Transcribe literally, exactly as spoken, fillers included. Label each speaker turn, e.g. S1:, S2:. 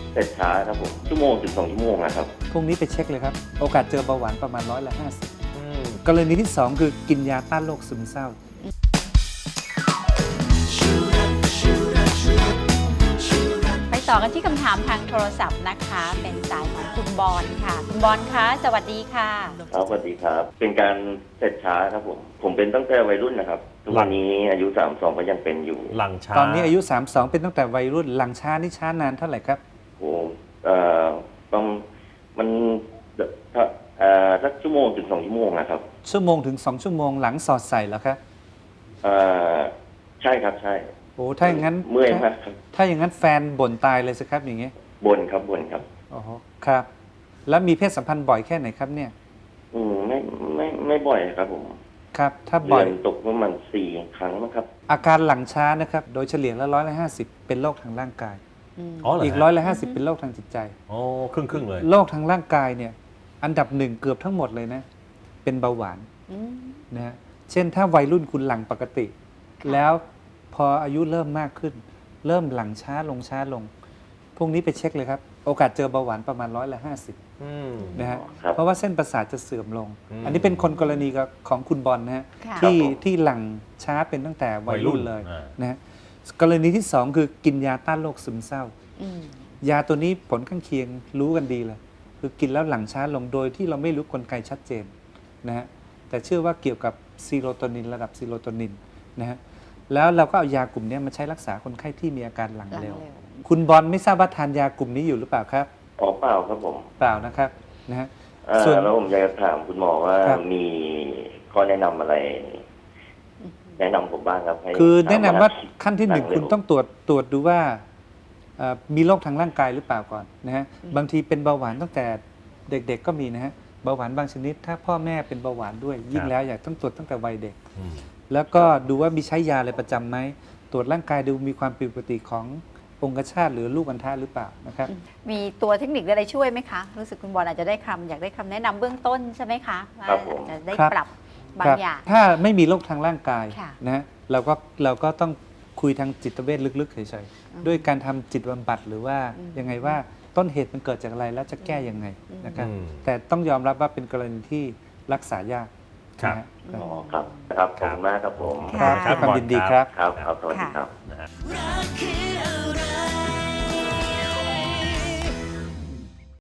S1: เสร็จช้าครับผมชั่วโมงถึงสองชั่วโมงนะครับ
S2: พรุ่งนี้ไปเช็คเลยครับโอกาสเจอเบาหวานประมาณร้อยละห้าสิบกรณีที่สองคือกินยาต้านโรคซึมเศร้า
S3: ไปต่อกันที่คำถามทางโทรศัพท์นะคะเป็นสายของคุณบอลค่ะคุณบอลคะสวัสดีค่ะ
S1: ครับสวัสดีครับเป็นการเสร็จช้าครับผมผมเป็นตั้งแต่วัยรุ่นนะครับทุกวันนี้อายุสามสองก็ยังเป็นอยู่
S4: หลังช้า
S2: ตอนนี้อายุสามสิบสองเป็นตั้งแต่วัยรุ่นหลังช้านี่ช้านานเท่าไหร่ครับ
S1: โอ้เอ่อต้องมันถ้าเอ่อสักชั่วโมงถึงสองชั่วโมงนะครับ
S2: ชั่วโมงถึงสองชั่วโมงหลังสอดใส่แล้วครับ
S1: เอ่อใช่ครับใช่
S2: โอ้ถ้าอย่างนั้น
S1: เมื่อยมากครับ
S2: ถ้าอย่างนั้นแฟนบ่นตายเลยสิครับอย่างเงี้ย
S1: บ่นครับบ่นครับ
S2: อ๋อครับแล้วมีเพศสัมพันธ์บ่อยแค่ไหนครับเนี่ย
S1: อืมไม่ไม่ไม่บ่อยครับผม
S2: ครับถ้าบ่อย
S1: ตกประมาณสี่ครั้งนะครับ
S2: อาการหลังช้านะครับโดยเฉลี่ยแล้วร้อยละห้าสิบเป็นโรคทางร่างกายอีกร้อยละห้าสิบเป็นโรคทางจิตใจ
S4: โอ้ครึ่งครึ่งเลย
S2: โรคทางร่างกายเนี่ยอันดับหนึ่งเกือบทั้งหมดเลยนะเป็นเบาหวานนะฮะเช่นถ้าวัยรุ่นคุณหลังปกติแล้วพออายุเริ่มมากขึ้นเริ่มหลังช้าลงช้าลงพรุ่งนี้ไปเช็คเลยครับโอกาสเจอเบาหวานประมาณร้อยละห้าสิบนะฮะเพราะว่าเส้นประสาทจะเสื่อมลงอันนี้เป็นคนกรณีของคุณบอลนะฮะที่ที่หลังช้าเป็นตั้งแต่วัยรุ่นเลยนะฮะกรณีที่สองคือกินยาต้านโรคซึมเศร้ายาตัวนี้ผลข้างเคียงรู้กันดีเลยคือกินแล้วหลังช้าลงโดยที่เราไม่รู้กลไกชัดเจนนะฮะแต่เชื่อว่าเกี่ยวกับซีโรโทนินระดับซีโรโทนินนะฮะแล้วเราก็เอายากลุ่มนี้มาใช้รักษาคนไข้ที่มีอาการหลังเร็วคุณบอลไม่ทราบว่าทานยากลุ่มนี้อยู่หรือเปล่าครับ
S1: อ๋อเปล่าครับผม
S2: เปล่านะครับนะฮะ
S1: ส่วนแล้วผมอยากจะถามคุณหมอว่ามีข้อแนะนำอะไรแนะนำผมบ้างครับ
S2: คือแนะนำว่าขั้นที่หนึ่งคุณต้องตรวจตรวจดูว่ามีโรคทางร่างกายหรือเปล่าก่อนนะฮะบางทีเป็นเบาหวานตั้งแต่เด็กๆก็มีนะฮะเบาหวานบางชนิดถ้าพ่อแม่เป็นเบาหวานด้วยยิ่งแล้วอยากต้องตรวจตั้งแต่วัยเด็กแล้วก็ดูว่ามีใช้ยาอะไรประจำไหมตรวจร่างกายดูมีความผิดปกติขององคชาตหรือลูกอัณฑะหรือเปล่านะครับ
S3: มีตัวเทคนิคอะไรช่วยไหมคะรู้สึกคุณบอลอาจจะได้คำอยากได้คำแนะนำเบื้องต้นใช่ไหมคะว่าจะได้ปรับบางอย่าง
S2: ถ้าไม่มีโรคทางร่างกายนะเราก็เราก็ต้องคุยทางจิตเวชลึกๆเฉยๆด้วยการทำจิตบำบัดหรือว่ายังไงว่าต้นเหตุมันเกิดจากอะไรแล้วจะแก้ยังไงนะครับแต่ต้องยอมรับว่าเป็นกรณีที่รักษายาก
S1: ครับอ๋อครับครับขอบคุณมากครับผม
S2: ครับความยินดีครับ
S1: ครับครับสวัสดีครับ